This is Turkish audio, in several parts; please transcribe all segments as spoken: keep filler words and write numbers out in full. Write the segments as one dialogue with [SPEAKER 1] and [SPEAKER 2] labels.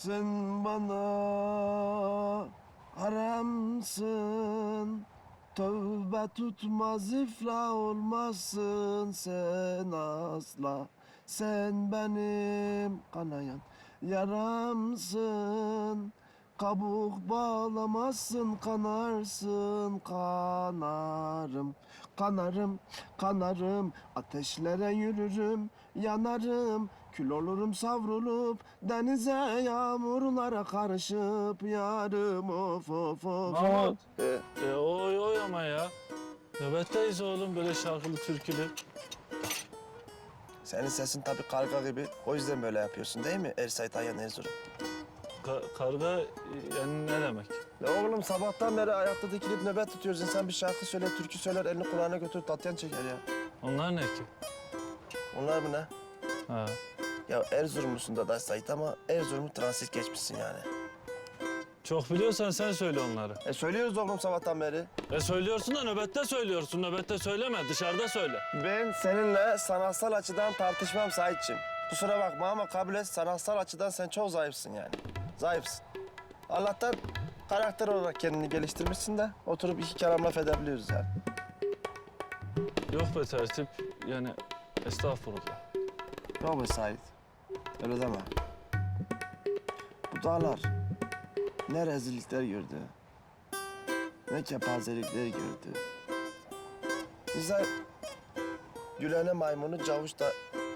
[SPEAKER 1] Sen bana haramsın, tövbe tutmaz iflah olmazsın sen asla. Sen benim kanayan yaramsın, kabuk bağlamazsın kanarsın kanarım. Kanarım, kanarım, ateşlere yürürüm, yanarım. Kül olurum savrulup, denize yağmurlara karışıp yarım of of of.
[SPEAKER 2] Mahmut.
[SPEAKER 1] Ee,
[SPEAKER 2] E, oy oy ama ya. Nöbetteyiz oğlum böyle şarkılı türkülü.
[SPEAKER 1] Senin sesin tabii karga gibi. O yüzden böyle yapıyorsun değil mi Ersay Tayyan Erzurum?
[SPEAKER 2] Ka karga e, yani ne demek?
[SPEAKER 1] Ya oğlum sabahtan beri ayakta dikilip nöbet tutuyoruz. İnsan bir şarkı söyler, türkü söyler, elini kulağına götürüp tatyan çeker ya.
[SPEAKER 2] Onlar ne ki?
[SPEAKER 1] Onlar mı ne?
[SPEAKER 2] Ha.
[SPEAKER 1] Ya Erzurumlusun da Sait ama Erzurum'u transit geçmişsin yani.
[SPEAKER 2] Çok biliyorsan sen söyle onları.
[SPEAKER 1] E söylüyoruz oğlum sabahtan beri.
[SPEAKER 2] E söylüyorsun da nöbette söylüyorsun. Nöbette söyleme, dışarıda söyle.
[SPEAKER 1] Ben seninle sanatsal açıdan tartışmam Saitçim. Kusura bakma ama kabul et, sanatsal açıdan sen çok zayıfsın yani. Zayıfsın. Allah'tan karakter olarak kendini geliştirmişsin de oturup iki kelam laf edebiliyoruz yani.
[SPEAKER 2] Yok be tertip, yani estağfurullah.
[SPEAKER 1] Yok be Sait, öyle deme. Bu dağlar ne rezillikler gördü, ne kepazelikler gördü. Bize Gülene maymunu cavuş da...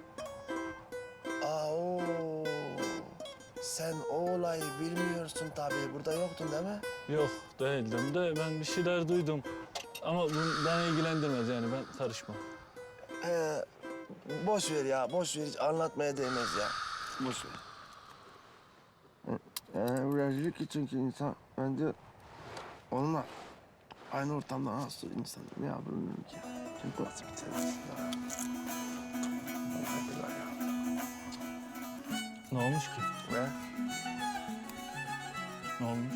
[SPEAKER 1] Aa, oo. Sen o olayı bilmiyorsun tabii. Burada yoktun değil mi?
[SPEAKER 2] Yok değildim de ben bir şeyler duydum. Ama bu beni ilgilendirmez yani ben karışmam.
[SPEAKER 1] Ee, boş ver ya, boş ver. Hiç anlatmaya değmez ya. Boş ver. Ee, rezillik için ki insan bence onunla aynı ortamda nasıl insan ne yapabilirim ki? Çünkü nasıl bir terörist ya? Hadi ya.
[SPEAKER 2] Ne olmuş ki?
[SPEAKER 1] Ne?
[SPEAKER 2] Ne olmuş?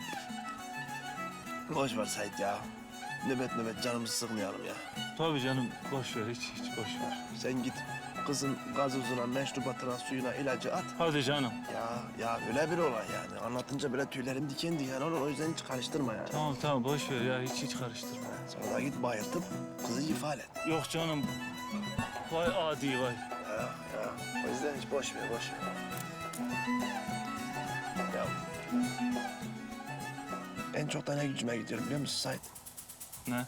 [SPEAKER 1] Boş ver Sait ya. Nöbet nöbet canımızı sıkmayalım ya.
[SPEAKER 2] Tabii canım boş ver hiç hiç boş ver.
[SPEAKER 1] Sen git kızın gazozuna, meşrubatına, suyuna ilacı at.
[SPEAKER 2] Hadi canım.
[SPEAKER 1] Ya ya öyle bir olay yani. Anlatınca böyle tüylerim diken diken olur. O yüzden hiç karıştırma yani.
[SPEAKER 2] Tamam tamam boş ver ya hiç hiç karıştırma.
[SPEAKER 1] Sonra git bayıltıp kızı ifade et.
[SPEAKER 2] Yok canım. Vay adi vay.
[SPEAKER 1] Ya ya. O yüzden hiç boş ver, boş ver. Ya. En çok da ne gücüme gidiyorum biliyor musun Sait?
[SPEAKER 2] Ne?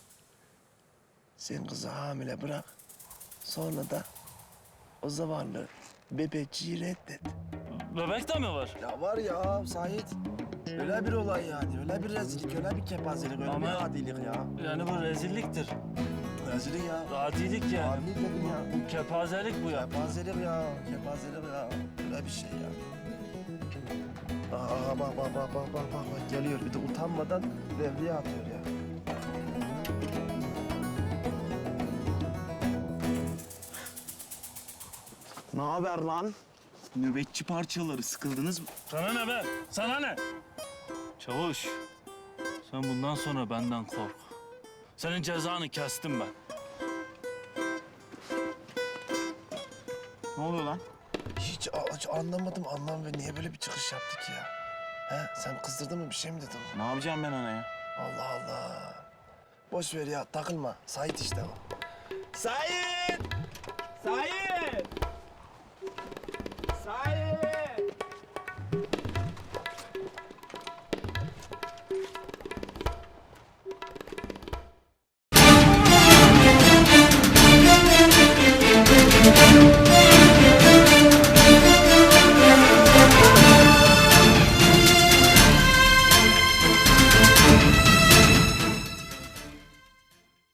[SPEAKER 1] Sen kızı hamile bırak. Sonra da o zavallı bebeciyi reddet.
[SPEAKER 2] Bebek de mi var?
[SPEAKER 1] Ya var ya Sait. Öyle bir olay yani. Öyle bir rezillik, öyle bir kepazelik, öyle
[SPEAKER 2] Ama-
[SPEAKER 1] bir adilik ya.
[SPEAKER 2] Yani bu rezilliktir.
[SPEAKER 1] Rezillik ya.
[SPEAKER 2] Adilik yani.
[SPEAKER 1] Adilik dedim ya.
[SPEAKER 2] Bu kepazelik bu ya.
[SPEAKER 1] Kepazelik ya, kepazelik ya. Öyle bir şey ya. Aa bak bak bak bak bak bak bak geliyor. Bir de utanmadan devreye atıyor ya.
[SPEAKER 3] Ne haber lan? Nöbetçi parçaları sıkıldınız mı?
[SPEAKER 2] Sana ne be? Sana ne? Çavuş, sen bundan sonra benden kork. Senin cezanı kestim ben.
[SPEAKER 3] Ne oluyor lan?
[SPEAKER 1] Hiç, hiç anlamadım anlam ve niye böyle bir çıkış yaptık ya? He sen kızdırdın mı bir şey mi dedin?
[SPEAKER 3] Ne yapacağım ben ona ya?
[SPEAKER 1] Allah Allah. Boş ver ya takılma. Sait işte o. Sait! Sait! Sait!